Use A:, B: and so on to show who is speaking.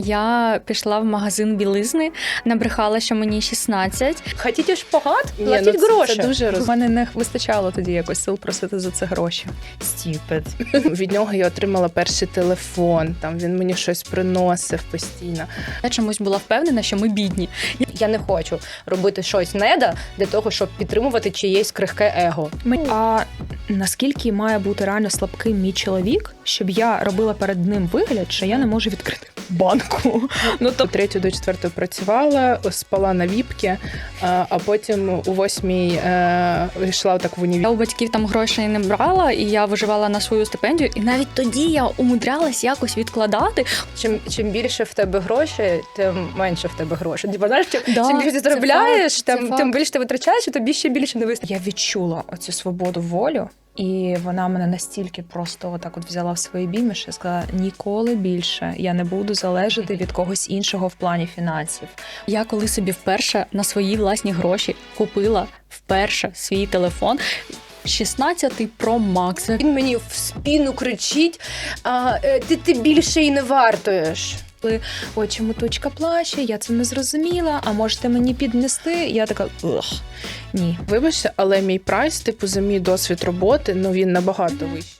A: Я пішла в магазин білизни, набрехала, що мені 16.
B: Хотіте шпагат?
C: Ні,
B: Платіть
C: ну,
B: гроші.
C: Це дуже
D: У мене не вистачало тоді якось сил просити за це гроші.
B: Стіпет.
C: Від нього я отримала перший телефон, там він мені щось приносив постійно.
A: Я чомусь була впевнена, що ми бідні.
B: Я не хочу робити щось неда для того, щоб підтримувати чиєсь крихке его.
D: А наскільки має бути реально слабким мій чоловік, щоб я робила перед ним вигляд, що я не можу відкрити банку?
C: Ну, то 3 до 4 працювала, спала на віпки, а потім у 8 йшла так в універ.
A: Я у батьків там грошей не брала, і я виживала на свою стипендію. І навіть тоді я умудрялась якось відкладати.
B: Чим більше в тебе грошей, тим менше в тебе грошей. Типа, знаєш, чим
A: Да,
B: більше ти
A: це
B: заробляєш,
A: факт, це
B: тим
A: факт.
B: більше ти витрачаєш, і тобі ще більше не вистачить.
D: Я відчула оцю свободу волю, і вона мене настільки просто отак от взяла в свої обійми, що я сказала, ніколи більше я не буду залежати від когось іншого в плані фінансів.
A: Я коли собі вперше на свої власні гроші купила вперше свій телефон, 16-й Pro Max.
B: Він мені в спину кричить, ти більше і не вартуєш.
D: Ой, чому точка плаче, я це не зрозуміла, а можете мені піднести? Я така, ні.
C: Вибачте, але мій прайс, типу, за мій досвід роботи, ну він набагато вищий.